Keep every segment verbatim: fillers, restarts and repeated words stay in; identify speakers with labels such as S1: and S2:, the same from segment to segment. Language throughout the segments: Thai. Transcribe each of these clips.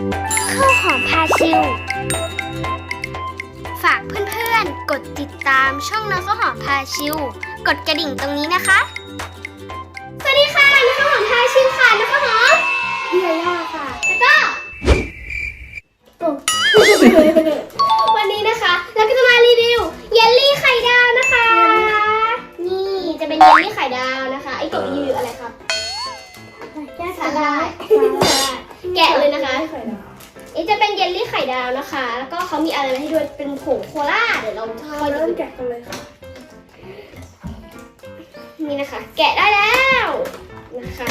S1: ข้าวหอมพาชิวฝากเพื่อนๆกดติดตามช่องน้องข้าวหอมพาชิวกดกระดิ่งตรงนี้นะคะสวัสดีค่ะน้องข้าวหอมพาชิวค่ะน้องข้าวหอมพี่ยาย่าค่ะแล้วก็วันนี้นะคะเราก็จะมารีวิวเยลลี่ไข่ดาวนะคะนี่จะเป็นเยลลี่ไข่ดาวนะคะไอ้กบรีวิวอะไรครับแก้สาลายแกะเลยนะคะนี่จะเป็นเยลลี่ไข่ดาวนะคะแล้วก็เขามีอะไรให้ด้วยเป็นผงโคล่าเดี๋ยวเราค่อยเริ่มแกะกันเลยค่ะนี่นะคะแกะได้แล้วนะคะ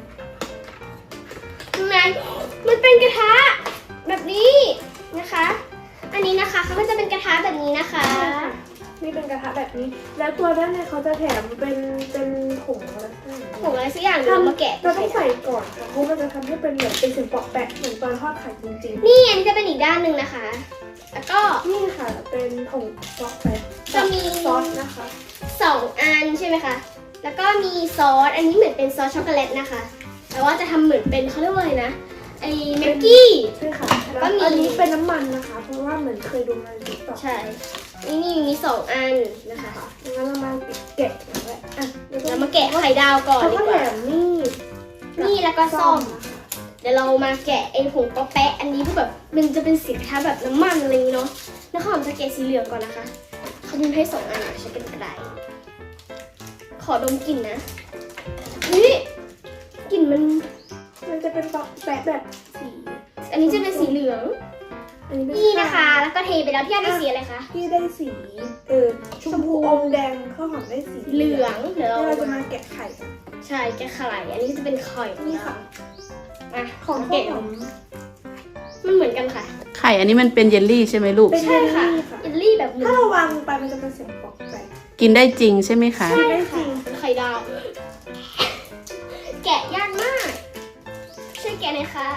S1: ข้างในมันเป็นกระทะแบบนี้นะคะอันนี้นะคะเขาก็จะเป็นกระทะแบบนี้นะคะ
S2: นี่เป็นกระทะแบบนี้แล้วตัวด้านในเขาจะแถมเป็นเป็นผงอะไร
S1: ผงอะไรสักอย่างเดี๋ยวเรามาแกะ
S2: เราต้องใส่ก่อนค่ะเพราะมันจะทำให้เป็นเหมือนเป็นสิ่งปอกแปะเหมือนตอนทอดไข่จริง
S1: ๆนี่อันนี้จะเป็นอีกด้านหนึ่งนะคะแล้วก็
S2: นี่ค่ะเป็นผงปอกแปะ
S1: จะมี
S2: ซอสนะคะ
S1: สองอันใช่ไหมคะแล้วก็มีซอสอันนี้เหมือนเป็นซอสช็อกโกแลตนะคะแต่ว่าจะทำเหมือนเป็นเขาเรียกว่าอะไรนะไอ้แม็กกี้
S2: ใช่ค่ะแล้วก็มีอันนี้เป็นน้ำมันนะคะเพราะว่าเหมือนเคยดูมาในติ๊กต็อก
S1: ใช่นี่นี่มีสองอันนะคะ
S2: งั้นเรามาแกะแล้วอ่ะ
S1: เรามาแกะไข่ดาวก่อน
S2: ดีกว่านี่
S1: นี่แล้วก็ซ่อมเดี๋ยวเรามาแกะไอ้ผงป๊อปแปะอันนี้เพื่อแบบมันจะเป็นสีกระทะแบบน้ำมันอะไรอย่างนี้เนาะแล้วข้าวหอมจะแกะสีเหลืองก่อนนะคะเขามีให้สองอันใช้เป็นกระดาษขอดมกลิ่นนะนี่กลิ่นมัน
S2: มันจะเป็นปอกแปะแบบสี
S1: อันนี้จะเป็นสีเหลืองนี่นะคะแล้วก็เทไปแล้วพี่ได้สีอะไรคะ
S2: พี่ได้สีเออชมพูอมแดงข้าวหอมได้สี
S1: เหลืองเดี๋ยว
S2: เราจะมาแกะไข่
S1: ใช่แกะไข่อันนี้จะเป็นไข่
S2: นี่ค่ะ
S1: อ่ะของแกะมันเหมือนกันค่ะ
S3: ไข่อันนี้มันเป็นเยลลี่ใช่ไหมลูก
S1: ใช่ค่ะเยลลี่แบบ
S2: ถ้าเราวางลงไปมันจะเป็นเสียงปอกแปะ
S3: กินได้จริงใช่ไหมคะ
S1: ใช่ค่ะเป็นไข่ดาวแกะยากมากช่วยแกะหน่อยค่ะ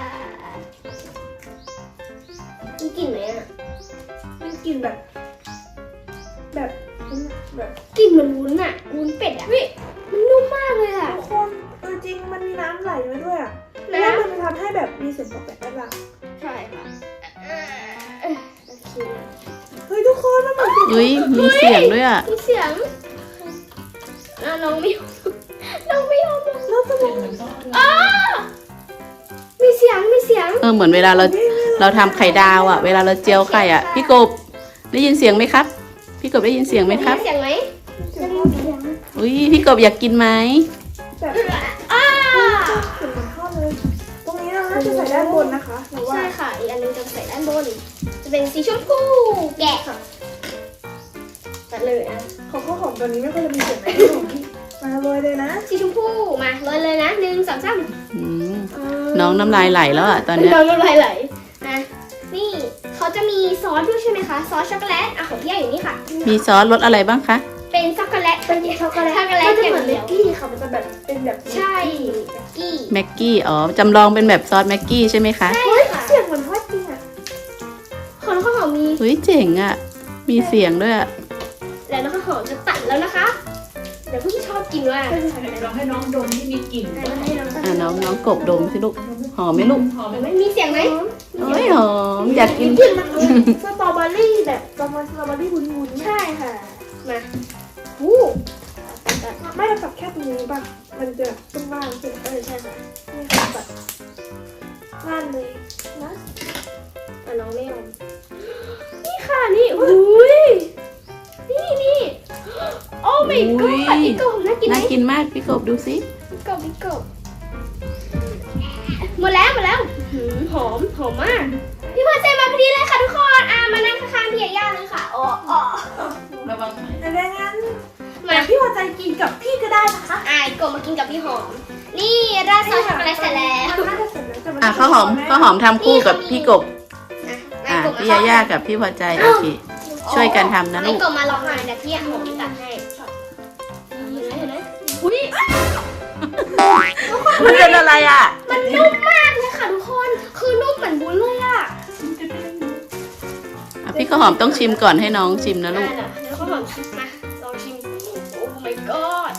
S1: มีกลิ่นไหมอ่ะ
S2: มันกลิ่นแบบแบบแบบ
S1: กลิ่นเหมือนวุ้นอ่ะวุ้นเป็ดอ่ะวิมันนุ่มมากเลยอ่ะ
S2: ทุกคนเออจริงมันมีน้ำไหลมาด้วยอ่ะแล้วมันจะทำให้แบบมีเสียงปอกแปะได้บ้าง
S1: ใช่ค่ะโอเค
S2: เฮ้ยทุกคนมันเหมือน
S3: เฮ้ยมีเสียงด้วยอ่ะ
S1: มีเสียงน้องไม่น้องไม่ยอม
S2: น้องจะบอก
S1: อ๋อมีเสียงมีเสียง
S3: เออเหมือนเวลาเราเราทำไข่ดาวอ่ะเวลาเราเจียวไข่อ่ะพี่กบได้ยินเสียงไหมครับพี่กบได้ยินเสียงไหมครับ
S1: เสียงไหม
S3: อุ้ยพี่กบอยากกินไหม
S2: แบบอ้าเสียงมันเข้าเลยตรงนี้เราน่าจะใส่ด้านบนนะคะ
S1: ใช่ค่ะอีกอันนึงจะใส่ด้านบนจะเป็นสีชมพูแกะค่ะตัดเลยนะ
S2: ของข้าวหอมตัวนี้ไม่ค่อยจะมีเสียงไหนมาเลยเลยนะ
S1: สีชมพูมาเลยเลยนะหนึ่งสองสาม
S3: น้องน้ำลายไหลแล้วอ่ะตอนนี้
S1: น้องน้ำลายไหลนะนี่เขาจะมีซอสด้วยใช่ไหมคะซอสช็อกโกแลตอ่ะของพี่ใหญ่อยู่นี่ค่ะ
S3: มีซอสรสอะไรบ้างคะ
S1: เป็นช็อกโกแลตเป็นช็อกโกแลตช็อกโกแลต
S2: เหมือนแม็กกี้ค่ะมันจะแบบเป็นแบบ
S1: ใช่แม็กกี้
S3: แม็กกี้อ๋อจำลองเป็นแบบซอสแม็กกี้ใช่ไหมคะ
S1: ใช่ค่ะ
S2: เสียงเหมือนทอดจริงอ่ะ
S1: ของข้าวหอมมี
S3: เฮ้ยเจ๋งอ่ะมีเสียงด้วยอ่ะ
S1: แล้วข้าวหอมจะตัดแล้วนะคะเดี๋ยวพี่ชอบกินว่า
S4: ลองให้น้องดมที่มีกลิ่น
S3: อ่ะน้องน้องกบดมสิลูกหอมไหมลูก
S1: หอมไหมมีเสียงไหม
S3: โอ้ยหอมอยากกิน
S2: กลิ่นมันสตรอเบอรี่แบบประมาณสตรอเบอรี่วุ้น
S1: ๆใช่ค่ะมาอู้
S2: ไม่เราตัดแค่ตรงนี้ป่ะมันจะตรงล่างใช่
S1: เออใช่ค่ะ
S2: นี่ค่ะตัดล่างเลยนะ
S1: อ่ะน้องไม่ยอมนี่ค่ะนี่อุ้ยนี่นี่โอ้ my god พี่กบน่ากินไหม
S3: น่ากินมากพี่กบดูสิ
S1: พี่กบพี่กบหมดแล้วหมดแล้วหอมหอมมากพี่พอใจมาพอดีเลยค่ะทุกคนอ่ะมานั่งข้างๆพี่ย่าเลยค่ะอ๋ออ๋อ
S4: ระวัง
S2: แต่งั้นมาพี่พอใจกินกับพี่ก็ได้นะคะ
S1: อ่ะกบมากินกับพี่หอมนี่ราดซอสช็อกโกแลตเสร็จแล้ว
S3: อ่ะข้าวหอมข้าวหอมทำคู่กับพี่กบอ่ะพี่ย่าย่ากับพี่พอใจโอเคช่วยกันทำนะลูก
S1: กบมาลองหน่อยแต่พี่หอมตัดให้เห็นไหมเห็นไหมอุ้ย
S3: มันเป็นอะไรอ่ะ
S1: มันนุ่มมากเลยค่ะทุกคนคือนุ่มเหมือนวุ้นเลยอ่ะ
S3: พี่ข้าวหอมต้องชิมก่อนให้น้องชิมนะลูก
S1: เดี๋ยวข้าวหอมชิมมาลองชิมโอ้ my god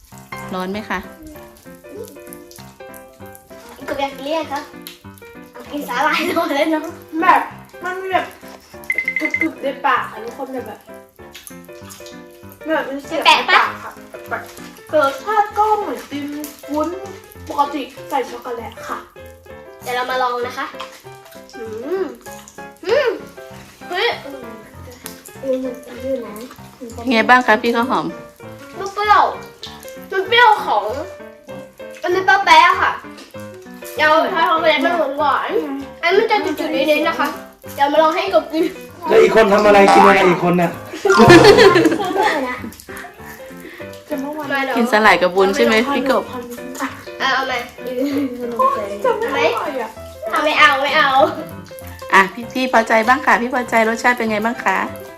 S3: ร้อนไหมคะ
S1: กบอยากกินเรียกครับโอเคกินสาหร่ายหน่อยเลยเนาะ
S2: แบบมันมีแบบกรึบๆในปากค่ะทุกคนแบบแบบแบบมันเสียบในปากค่ะแบบรสชาติก็เหมือนติมวุ้นปกติใส่ช็อกโกแลตค่ะ
S1: เดี๋ยวเรามาลองนะคะอืมอืมเฮ้ย
S2: เออมันจะยืดนะ
S3: ไงบ้างคะพี่ข้าวหอม
S1: มันเปรี้ยวมันเปรี้ยวของมันเป็นปลาแป๊ะค่ะเดี๋ยวถ้าทำอะไรมันหวานหวานๆอันมันจะจุดๆนิดๆนะคะเดี๋ยวมาลองให้กบกิน
S5: แล้วอีกคนทำอะไรกินอะไรอีกคนน่ะ
S2: จะเมื่อวาน
S1: มาเดี๋ยว
S3: กินสลายกับบุญใช่ไหมพี่กบ
S1: เอาเอามา
S2: จะไม่อร่อยอ่ะ
S1: เอาไม่เอาไม่เอา
S3: อ่ะพี่พี่พอใจบ้างค่ะ พี่พอใจรสชาติเป็นไงบ้างคะ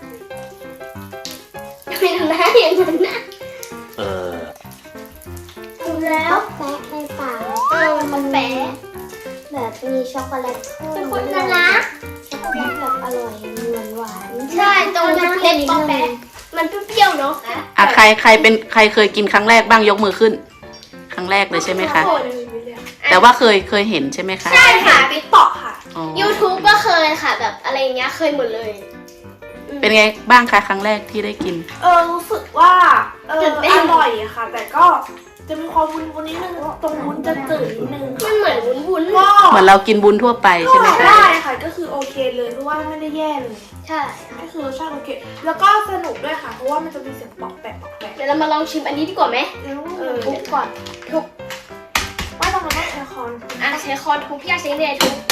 S1: ไม่ทำหน้าอย่างนั้นนะ
S5: เออ
S1: ดูแล้ว
S2: แปะในปาก
S1: เออมันแป๊ะ
S2: แบบมีช็อกโกแลตเพิ่ม
S1: เป็นคนน่ารัก
S2: ช็อกโกแลตแบบอร่อยหวานหวาน
S1: ใช่ตรงเล็บปลาแป๊ะมันเปรี้ยวๆเนาะ
S3: อ่ะใครใครเป็นใครเคยกินครั้งแรกบ้างยกมือขึ้น ครั้งแรกเลยใช่ไหมคะ แต่ว่าเคยเคยเห็นใช่ไหมคะ
S1: ใช่ค่ะ
S2: ติ๊กตอกค่ะ
S3: อ๋อ
S1: YouTube ก็เคยค่ะ แบบอะไรอย่างเงี้ยเคยหมดเลย
S3: เป็นไงบ้างคะครั้งแรกที่ได้กิน
S2: เออรู้สึกว่าเออ
S1: ตื่นเต้น
S2: อร่อยอะค่ะ แต่ก็จะมีความวุ้นวุ้นนิดนึงตรงวุ้นจะจืดนิดนึง
S1: มันเหมือนวุ้นๆ
S2: ก็
S3: เหมือนเรากินบุญทั่วไปใช่ไหมคะ
S2: ได้ค่ะก็คือโอเคเลยเพราะว่าไม่ได้แย่เลย
S1: ใช่
S2: ก็คือรสชาติโอเค แล้วก็สนุกด้วยค่ะ เพราะว่ามันจะมีเสียงปอกแปะปอกแปะ
S1: เดี๋ยวเรามาลองชิมอันนี้ดีกว่าไหม
S2: แล้ว
S1: เออ
S2: ทุบก่อน
S1: ทุบ
S2: ว่าตรงนั้นแอร์คอน
S1: อ่ะใช้คอนทุบพี่อาใช้เนยทุบ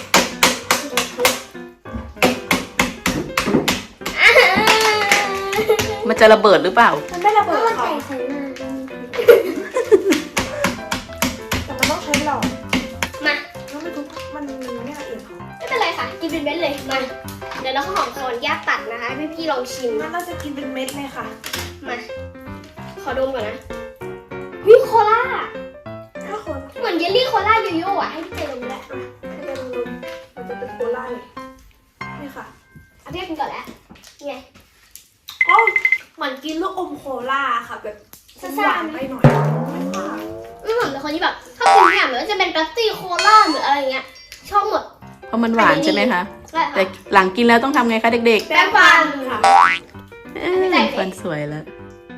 S1: อ่า
S3: มันจะระเบิดหรือเปล่า
S2: มันไม่ระเบิดค่ะแต่มันต้องใช้หลอด
S1: มา
S2: แล้วไม่ทุบมันไม่ละเอียดค่ะ
S1: ไม่เป็นไรค่ะ กินเป็นเม็ดเลย มา เดี๋ยวเราข้าวหอมคอนแยกตัดนะคะให้พี่ๆลองชิม
S2: งั้นเราจะกินเป็นเม็ดเลยค่ะ
S1: มา ขอดมก่อนนะวิโคล่า
S2: ถ้าคน
S1: เหมือนเยลลี่โคล่าโยโย่อะให้พี่เจดมแล้ว
S2: ให้เป็นลมมันจะเป็นโคล่าเลยนี่ค่ะ
S1: เอาพี่กินก่อนแล้วไง
S2: ก็เหมือนกินลูกอมโคล่าค่ะแบบหวานไปหน่อยไม่ค่ะ
S1: ไม่เหมือนเป็นคนที่แบบชอบกินเนี่ยเหมือนจะเป็นแป๊บซี่โคล่าหรืออะไรเงี้ย ชอบหมด
S3: เพราะมันหวานใช่ไหมคะ
S1: ใช่
S3: แต่
S1: ค่ะ
S3: หลังกินแล้วต้องทำไงคะเด็ก
S2: แป้งฟันค่ะ
S3: ๆเอ้ยฟันสวยแล้ว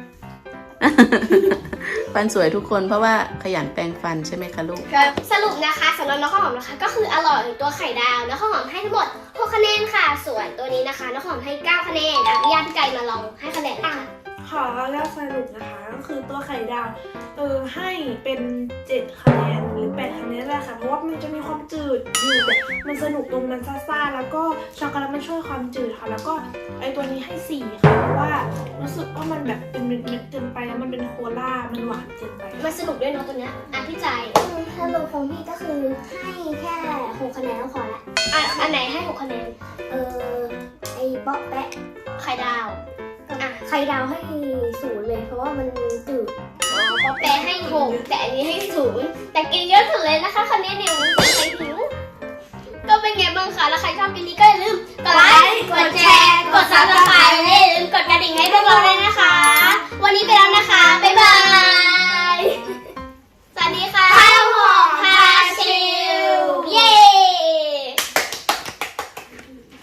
S3: ฟันสวยทุกคนเพราะว่าขยันแปรงฟันใช่ไหมคะลูก
S1: สรุปนะคะสำหรับน้องข้าวหอมนะคะ ก็คืออร่อยตัวไข่ดาวน้องข้าวหอมให้ทั้งหมดหกคะแนนค่ะ ส่วนตัวนี้นะคะน้องข้าวหอมให้เก้าคะแนนอ่ะพี่ยาพี่ไก่มาลองให้คะแนนเลยค่ะ
S2: ขอแล้วสรุปนะคะก็คือตัวไข่ดาวเออให้เป็นเจ็ดคะแนนหรือแปดคะแนนแหละค่ะเพราะว่ามันจะมีความจืดอยู่แบบมันสนุกตรงมันซ่าๆแล้วก็ช็อกโกแลตมันช่วยความจืดค่ะแล้วก็ไอตัวนี้ให้สี่ค่ะเพราะว่ารู้สึกว่ามันแบบเป็นเม็ดๆเกินไปแล้วมันเป็นโคล่ามันหวานเกินไป
S1: มันสนุกด้วยเนาะตัวเนี้ยอ่ะพี่ใจ
S6: สรุปของพี่ก็คือให้แค่หกคะแนนก็พอละ
S1: อ่ะอันไหนให้หกคะแนน
S6: เออไอ้เปาะแปะ
S1: ไข่ดาวอ่ะ
S6: ไข่ดาวให้ศูนย์เลย เพราะว่ามันจืด
S1: อ๋อพอแปรให้หกแต่อันนี้ให้ศูนย์แต่กินเยอะสุดเลยนะคะคะแนนเนี่ยมันเป็นใครหิวก็เป็นไงบ้างคะแล้วใครชอบกินนี้ก็อย่าลืมกดไลค์กดแชร์กดซับสไครต์